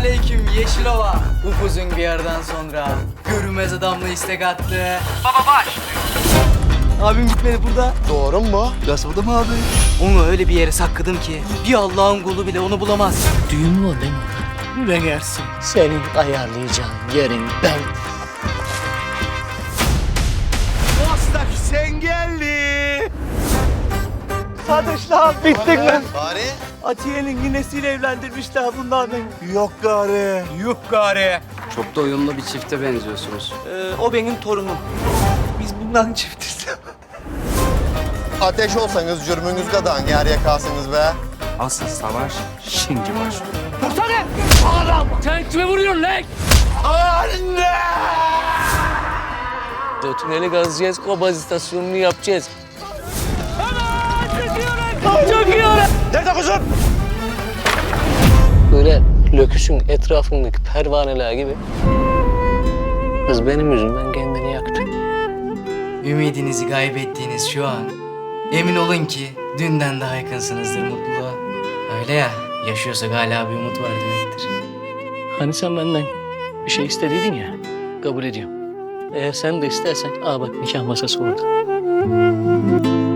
aleyküm Yeşilova. Upuzun bir yerden sonra görünmez adamla istek attı. Baba başlıyor. Abim gitmedi burada. Doğru mu? Gaspada mı abi? Onu öyle bir yere sakladım ki bir Allah'ın kulu bile onu bulamaz. Düğün var değil mi? Ne gelsin? Senin ayarlayacağın yerin ben. Bostak sen geldi. Kardeşler bittik mi? Bari? Atiye'nin ninesiyle evlendirmişler bunlar beni. Yok gari. Yuh gari. Çok da uyumlu bir çifte benziyorsunuz. O benim torunum. Biz bunların çiftiz. Ateş olsanız cürmünüz kadar yer yakarsınız be. Asıl savaş şimdi başlıyor. Sen kime vuruyorsun lan? Anne! O tüneli kazacağız, o baz istasyonunu yapacağız. Çok iyi öyle. Nerede kuzum? Böyle löküsün etrafındaki pervaneler gibi. Kız benim yüzümden kendini yaktı. Ümidinizi kaybettiğiniz şu an emin olun ki dünden daha yakınsınızdır mutluluğa. Öyle ya, yaşıyorsak hala bir umut var demektir. Hani sen benden bir şey istediydin ya, kabul ediyorum. Eğer sen de istersen, aa bak nikah masası orada.